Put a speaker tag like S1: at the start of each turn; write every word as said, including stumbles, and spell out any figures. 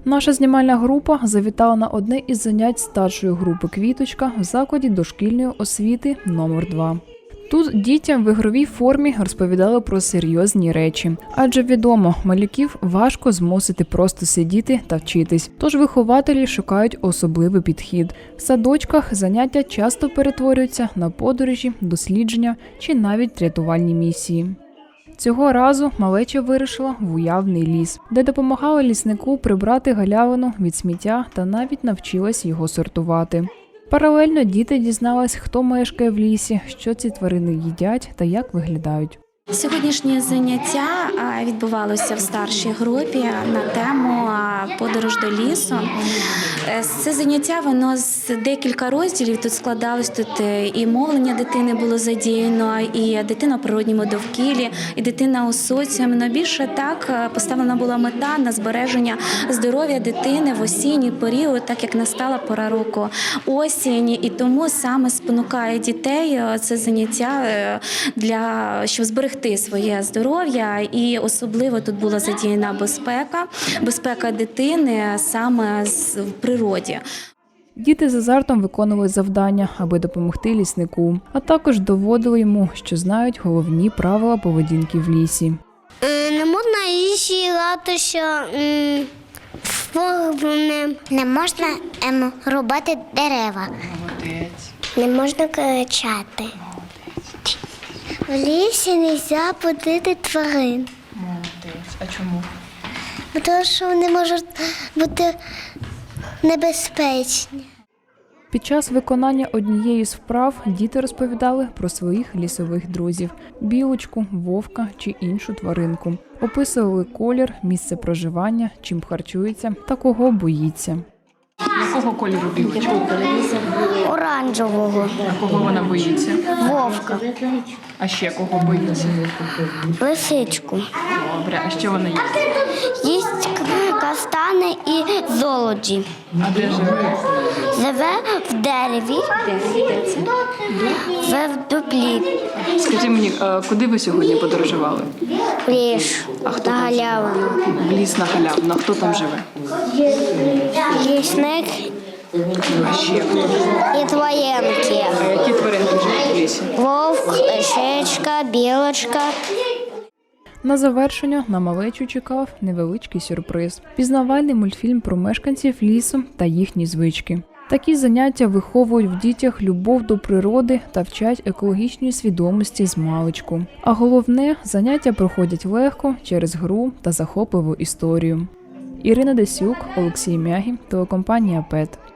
S1: Наша знімальна група завітала на одне із занять старшої групи «Квіточка» в закладі дошкільної освіти номер два. Тут дітям в ігровій формі розповідали про серйозні речі. Адже відомо, малюків важко змусити просто сидіти та вчитись. Тож вихователі шукають особливий підхід. В садочках заняття часто перетворюються на подорожі, дослідження чи навіть рятувальні місії. Цього разу малеча вирушила в уявний ліс, де допомагала ліснику прибрати галявину від сміття та навіть навчилась його сортувати. Паралельно діти дізнались, хто мешкає в лісі, що ці тварини їдять та як виглядають.
S2: Сьогоднішнє заняття відбувалося в старшій групі на тему «Подорож до лісу». Це заняття, воно з декілька розділів, тут складалось, тут і мовлення дитини було задіяно, і дитина в природньому довкіллі, і дитина у соціумі. Но більше так поставлена була мета на збереження здоров'я дитини в осінній період, так як настала пора року осінь, і тому саме спонукає дітей це заняття, для щоб зберегти своє здоров'я, і особливо тут була задіяна безпека, безпека дитини саме в природі.
S1: Діти з азартом виконували завдання, аби допомогти ліснику, а також доводили йому, що знають головні правила поведінки в лісі.
S3: Не можна лісі гратися вогнем. Не можна ем, рубати дерева.
S4: Молодець.
S3: Не можна кричати. В лісі не можна будити тварин.
S4: Молодець. А чому?
S3: Тому що вони можуть бути небезпечні.
S1: Під час виконання однієї з вправ діти розповідали про своїх лісових друзів – білочку, вовка чи іншу тваринку. Описували колір, місце проживання, чим харчується та кого боїться.
S4: Якого кольору білочка?
S3: Оранжевого.
S4: А кого вона боїться?
S3: Вовка.
S4: А ще кого боїться?
S3: Лисичку.
S4: Добре, а що вона їсть?
S3: Їсть каштани і золоді.
S4: А де живе?
S3: Живе в дереві. Живе в дуплі.
S4: Скажи мені, а куди ви сьогодні подорожували?
S3: В ліс.
S4: А хто
S3: На
S4: там живе?
S3: галявину.
S4: В ліс на галявину. А хто там живе?
S3: Лісник
S4: А ще хто?
S3: і тваринки.
S4: А які тваринки живуть в лісі?
S3: Вовк, лисичка, білочка.
S1: На завершення на малечу чекав невеличкий сюрприз – пізнавальний мультфільм про мешканців лісу та їхні звички. Такі заняття виховують в дітях любов до природи та вчать екологічній свідомості змалечку. А головне – заняття проходять легко через гру та захопливу історію. Ірина Десюк, Олексій Мягі, телекомпанія «Пет».